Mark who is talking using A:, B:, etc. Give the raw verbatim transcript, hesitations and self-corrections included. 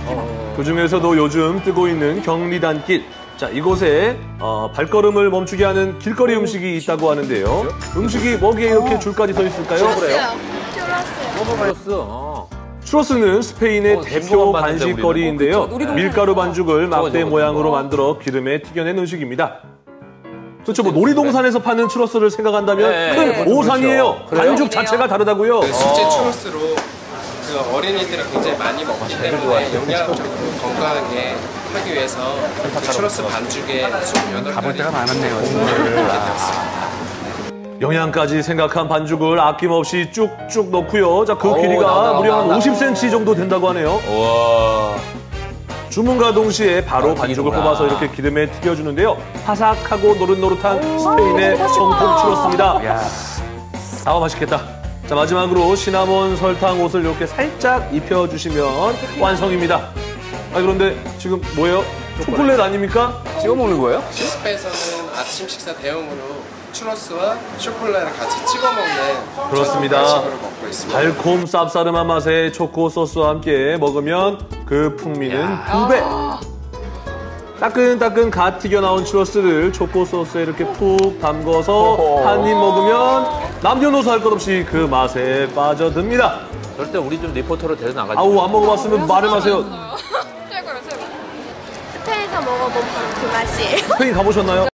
A: 어.
B: 그중에서도 요즘 뜨고 있는 경리단길. 자, 이곳에 어, 발걸음을 멈추게 하는 길거리 음식이 있다고 하는데요. 음식이 뭐기에 이렇게 줄까지 서 있을까요?
A: 추러스요.
C: 추러스.
B: 추러스는 스페인의
C: 어,
B: 대표
C: 봤는데,
B: 간식거리인데요.
A: 어, 그쵸.
B: 밀가루 반죽을 막대
C: 저거,
B: 모양으로
C: 저거.
B: 만들어 기름에 튀겨낸 음식입니다. 그렇죠. 뭐 놀이동산에서 파는 추러스를 생각한다면
C: 네,
B: 큰
C: 네,
B: 오산이에요.
C: 그렇죠.
B: 반죽 자체가 다르다고요.
D: 그 숙제 추러스로 그 어린이들이 굉장히 많이 먹기 때문에 영양적으로 건강하게 하기 위해서 그 추러스 반죽에 스물여덟
E: 가볼
D: 가지
E: 때가 많았네요.
B: 영양까지 생각한 반죽을 아낌없이 쭉쭉 넣고요. 자, 그
C: 오,
B: 길이가
C: 나온다,
B: 무려 한
C: 나온다.
B: 오십 센티미터 정도 된다고 하네요.
C: 우와.
B: 주문과 동시에 바로
C: 아,
B: 반죽을
C: 튀기는구나.
B: 뽑아서 이렇게 기름에 튀겨주는데요. 바삭하고 노릇노릇한 스페인의 정통 추러스입니다.
E: 야,
B: 아, 맛있겠다. 자, 마지막으로 시나몬 설탕 옷을 이렇게 살짝 입혀주시면 완성입니다. 아, 그런데 지금 뭐예요? 초콜릿 아닙니까?
E: 찍어 먹는 거예요?
D: 시스페에서는 아침 식사 대용으로 추러스와 쇼콜라를 같이 찍어 먹는
B: 그렇습니다.
D: 식으로 먹고 있습니다.
B: 달콤 쌉싸름한 맛의 초코 소스와 함께 먹으면 그 풍미는 두 배. 따끈따끈 갓 튀겨 나온 추러스를 초코 소스에 이렇게 푹 담궈서 한 입 먹으면 남녀노소 할 것 없이 그 맛에 빠져듭니다.
C: 절대 우리 좀 리포터로 데려 나가지.
B: 아우, 안 먹어봤으면 말을 마세요.
A: 최고요, 최고.
F: 스페인에서 먹어본 바로 그 맛이에요.
B: 스페인 가보셨나요?